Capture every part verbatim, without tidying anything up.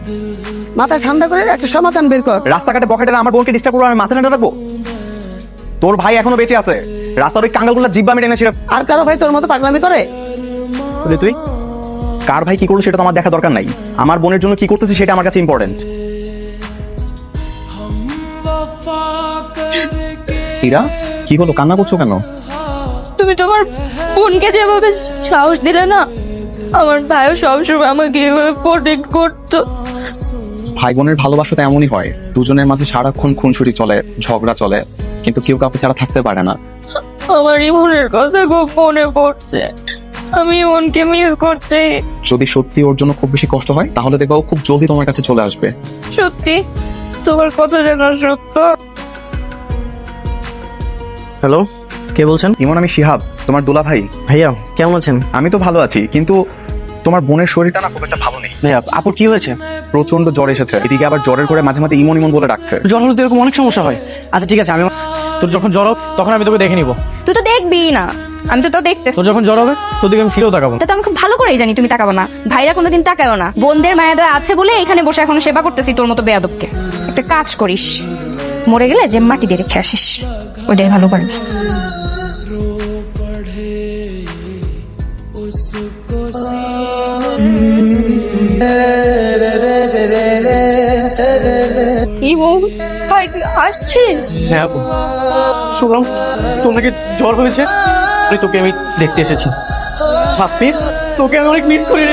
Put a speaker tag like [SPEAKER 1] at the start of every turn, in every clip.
[SPEAKER 1] মাথা ঠান্ডা করে একটা সমাধান বের কর।
[SPEAKER 2] রাস্তাঘাটে বকেটেরা আমার বোনকে ডিস্টার্ব করবো, আমি মাথা ঠান্ডা রাখবো? তোর ভাই এখনো বেঁচে আছে, রাস্তার ওই কাঙ্গালগুলো জিব্বা মেটে এনেছিল।
[SPEAKER 1] আর কারো ভাই তোর মতো পাগলামি করে?
[SPEAKER 2] তুই কার ভাই কি করলো সেটা তো আমার দেখা দরকার নাই, আমার বোনের জন্য কি করতেছি সেটা আমার কাছে ইম্পর্টেন্ট। ইরা, কি হলো, কান্না করছো কেন?
[SPEAKER 3] তুমি তোমার বোনকে যেভাবে সাহস দিলে না, আমার ভাইও সবসময় আমাকে এভাবে প্রোটেক্ট করতো।
[SPEAKER 2] ভাই বোনের ভালোবাসা তো এমনই হয়, দুজনের মাঝে সারাক্ষণ খুনসুটি চলে, ঝগড়া চলে, কিন্তু কেউ কাউকে ছাড়া থাকতে পারে না।
[SPEAKER 3] আমার ইমনের কথা খুব মনে পড়ছে, আমি ইমনকে মিস করছি।
[SPEAKER 2] যদি সত্যি ওর জন্য খুব বেশি কষ্ট হয় তাহলে দেখবা ও খুব জলদি তোমার কাছে চলে আসবে।
[SPEAKER 3] সত্যি তোমার কথা জানা সত্য।
[SPEAKER 4] হ্যালো, কে বলছেন?
[SPEAKER 2] ইমন, আমি শিহাব, তোমার দুলা ভাই।
[SPEAKER 4] ভাইয়া কেমন আছেন?
[SPEAKER 2] আমি তো ভালো আছি, কিন্তু তোমার বোনের শরীরটা না খুব একটা ভালো নেই।
[SPEAKER 4] ভাইয়া আপুর কি হয়েছে?
[SPEAKER 2] প্রচন্ড জ্বর এসেছে, এদিকে আবার জ্বরের করে মাঝে মাঝে ইমন ইমন বলে ডাকছে।
[SPEAKER 4] জ্বর হলে তো এরকম অনেক সমস্যা হয়। আচ্ছা ঠিক আছে, আমি তোর যখন জ্বর হবে তখন আমি তোকে দেখে নিবো।
[SPEAKER 3] তুই তো দেখবি না, আমি তো তাও দেখতেছি।
[SPEAKER 4] তোর যখন জ্বর হবে তোর দিকে আমি ফিরেও তাকাবো।
[SPEAKER 3] তা তো আমি খুব ভালো করেই জানি তুমি তাকাবো না, ভাইরা কোনোদিন তাকায়ও না। বোনদের মায়া দয়া আছে বলে এখানে বসে এখনো সেবা করতেছি তোর মতো বেয়াদবকে। একটা কাজ করিস, মরে গেলে যে মাটি দিয়ে রেখে আসিস, ওইটাই ভালো পারবি। ইমন, ভাই তুই আসছিস?
[SPEAKER 4] হ্যাঁ আপু, শুনলাম তোর নাকি জ্বর হয়েছে, তাই তোকে আমি দেখতে এসেছি। ভাবছি তোকে আমি অনেক মিস করি রে।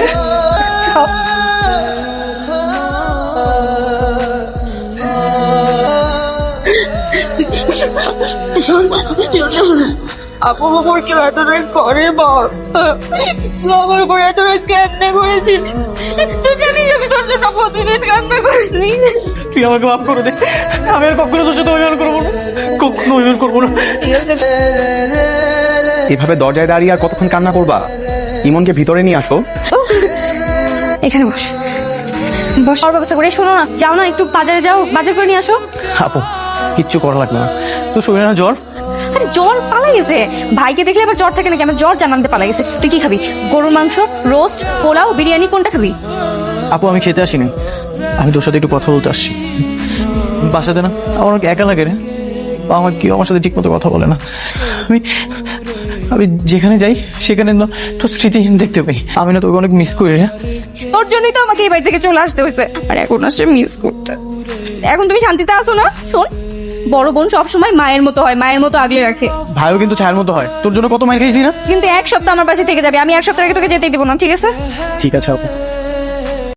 [SPEAKER 3] আপু আমার কেউ এতটা করে বল, আমার উপর এতটা কান্না করেছিস? তুই জানিস আমি তোর জন্য প্রতিদিন কান্না করছি।
[SPEAKER 4] তুই আমাকে মাফ করে দে, আমি আর কখনো তোর সাথে অভিমান করবো না, কখনো অভিমান করবো না।
[SPEAKER 2] এভাবে দরজায় দাঁড়িয়ে আর কতক্ষণ কান্না করবা? ইমনকে ভিতরে নিয়ে আসো।
[SPEAKER 3] এখানে বস বস, আর ব্যবস্থা করে। শোনো না, যাও না একটু বাজারে যাও, বাজার করে নিয়ে আসো।
[SPEAKER 4] আপু কিচ্ছু করা লাগবে না, তোর শরীরে না জ্বর?
[SPEAKER 3] আরে জ্বর পালাই গেছে, ভাইকে দেখলে আবার জ্বর থাকে নাকি? আমার জ্বর জানাতে পালাই গেছে। তুই কি খাবি? গরুর মাংস, রোস্ট, পোলাও, বিরিয়ানি, কোনটা খাবি?
[SPEAKER 4] আপু আমি খেতে আসিনি, আমি তোর সাথে একটু কথা বলতে আসছি। বাসাতে না আমার অনেক একা লাগে রে, আমার কেউ আমার সাথে ঠিক মতো কথা বলে না। আমি আমি যেখানে যাই সেখানে না তোর স্মৃতিহীন দেখতে পাই, আমি না তোকে অনেক মিস করি রে।
[SPEAKER 3] তোর জন্যই তো আমাকে এই বাড়ি থেকে চলে আসতে হয়েছে, আর এখন আসছে মিস করতে। এখন তুমি শান্তিতে আসো না? শোন, বড় বোন সবসময় মায়ের মতো হয়, মায়ের মতো আগলে রাখে।
[SPEAKER 4] ভাইও কিন্তু ছায়ের মতো হয়, তোর জন্য কত মাইর খেয়েছি না।
[SPEAKER 3] কিন্তু এক সপ্তাহ আমার পাশে থেকে যাবে, আমি এক সপ্তাহ আগে তোকে যেতেই দেবো না, ঠিক আছে?
[SPEAKER 4] ঠিক আছে আপু।